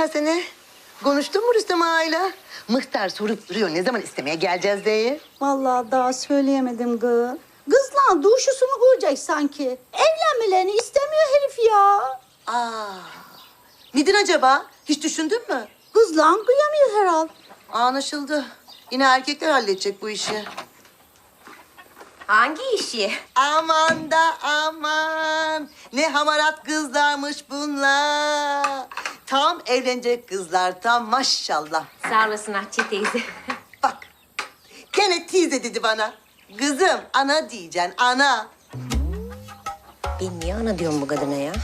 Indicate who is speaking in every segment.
Speaker 1: geçen sene? Konuştun mu Rüstem Ağa'yla? Mıhtar sorup duruyor ne zaman istemeye geleceğiz diye.
Speaker 2: Vallahi daha söyleyemedim gı. Kızla duşusunu görecek sanki. Evlenmelerini istemiyor herif ya.
Speaker 1: Neden acaba? Hiç düşündün mü?
Speaker 2: Kızla kıyamıyor herhal.
Speaker 1: Anlaşıldı. Yine erkekler halledecek bu işi.
Speaker 3: Hangi işi?
Speaker 1: Aman da aman. Ne hamarat kızlarmış bunlar. Tam evlenecek kızlar tam maşallah.
Speaker 3: Sağ olasın Hatice teyze.
Speaker 1: Bak. Gene teyze dedi bana. Kızım ana diyeceksin ana.
Speaker 3: Ben niye ana diyorum bu kadına ya?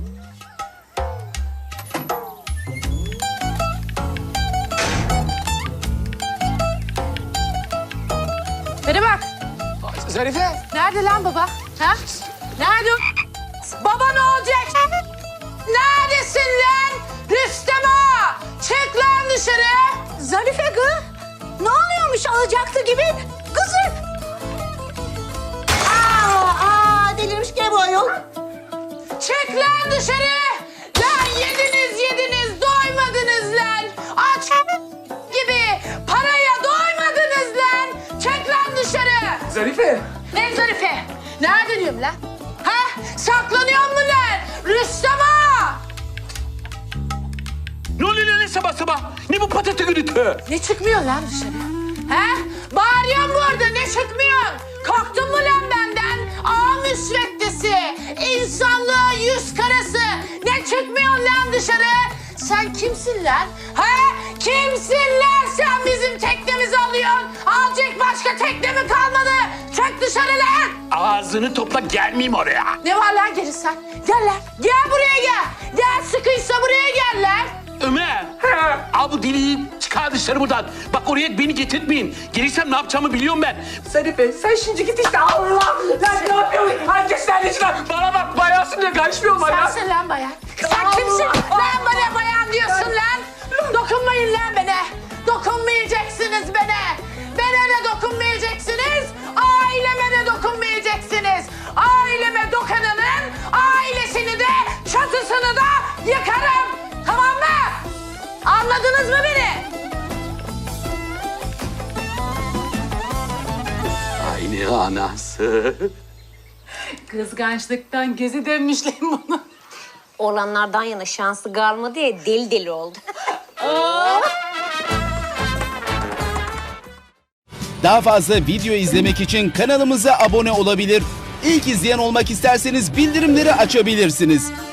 Speaker 4: Bana bak.
Speaker 5: Zarife.
Speaker 4: Nerede lan baba? Ha? Nerede? Baba ne olacak? Neredesin lan? Rüstem Ağa! Çık lan dışarı.
Speaker 2: Zarife gı. Ne oluyormuş alacaktı gibi? Kızım.
Speaker 1: Delirmiş gene bu ayol.
Speaker 4: Çık lan dışarı. Lan yediniz doymadınız lan. Aç gibi paraya doymadınız lan. Çık lan dışarı.
Speaker 5: Zarife.
Speaker 4: Ne Zarife? Nerede diyorum lan? Ha? Saklanıyor mu lan? Rüstem Ağa!
Speaker 5: Ne oluyor lan sabah sabah? Ne bu patata gürültü?
Speaker 4: Ne çıkmıyor lan dışarı? He? Bağırıyorsun burada ne çıkmıyor? Korktun mu lan benden? Ağa müsveddesi, insanlığa yüz karası. Ne çıkmıyor lan dışarı? Sen kimsin lan? He? Kimsin lan sen bizim teknemizi alıyorsun? Alacak başka tekne mi kalmadı? Çık dışarı lan!
Speaker 5: Ağzını topla gelmeyeyim oraya.
Speaker 4: Ne var lan gelirsen? Gel lan. Gel buraya gel. Gel sıkıysa buraya gel lan.
Speaker 5: Ömer. Al bu deliği çıkar dışarı buradan. Bak oraya beni getirtmeyin. Gelirsem ne yapacağımı biliyorum ben.
Speaker 6: Zarife sen şimdi git işte Allah! Lan ne yapıyorsun? Herkes nerede çıkar? Bana bak bayansın diye karışmıyorum bana.
Speaker 4: Sensin lan bayan. Sen kimsin? Lan bana bayan diyorsun lan. Dokunmayın lan bana. Dokunmayacaksınız bana. Bana da dokunmayacaksınız. Aileme de dokunmayacaksınız. Aileme dokunanın ailesini de çatısını da yıkarım. Tamam mı? Anladınız mı beni?
Speaker 5: Aynı anası.
Speaker 4: Kızgançlıktan gezi dönmüşler bunu.
Speaker 3: Oğlanlardan yana şansı kalmadı ya deli deli oldu.
Speaker 7: Daha fazla video izlemek için kanalımıza abone olabilir. İlk izleyen olmak isterseniz bildirimleri açabilirsiniz.